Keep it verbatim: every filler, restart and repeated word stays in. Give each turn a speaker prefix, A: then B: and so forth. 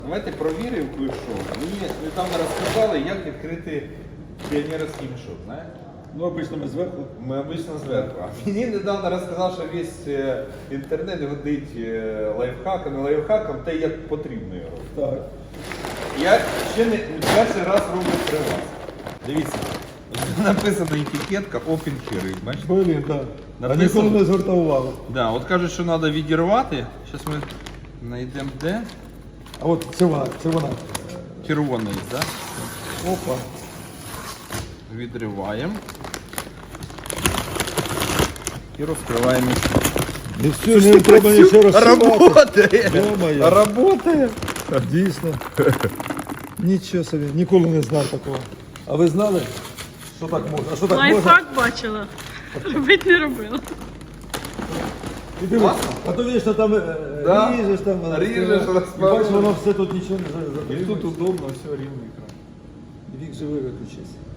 A: Давайте провіримо кое-що. Мені недавно розказали, як відкрити піонерський мішок, знаєте?
B: Ну, обично ми зверху.
A: Ми обично зверху. А мені недавно розказав, що весь е, інтернет годить е, лайфхаком, і лайфхаком те, як потрібно його робити.
B: Так.
A: Я ще не перший раз роблю при вас. Дивіться, написана етикетка Open Carry, бачите?
B: Блін, так. А
A: Написано-
B: ніколи не звертав увагу.
A: Да, от кажуть, що треба відірвати. Зараз ми знайдемо де.
B: А от це вона, це вона.
A: Червоний, так?
B: Опа.
A: Відриваємо. І розкриваємо мішок.
B: І все, не треба нічого розшивати.
A: Работає!
B: Ё-моє.
A: Работає!
B: Дійсно. Нічого собі, ніколи не знав такого. А ви знали, що так можна? А що так можна?
C: Лайфхак бачила. Робити не робила.
B: І дивись, а то вічно там е,
A: Да.
B: ріжеш, там,
A: Ріжеш,
B: і бачиш,
A: розпаровуєш.
B: воно все тут нічого не
A: І
B: затримує.
A: тут удобно, все рівний екран.
B: Вік живий виключився.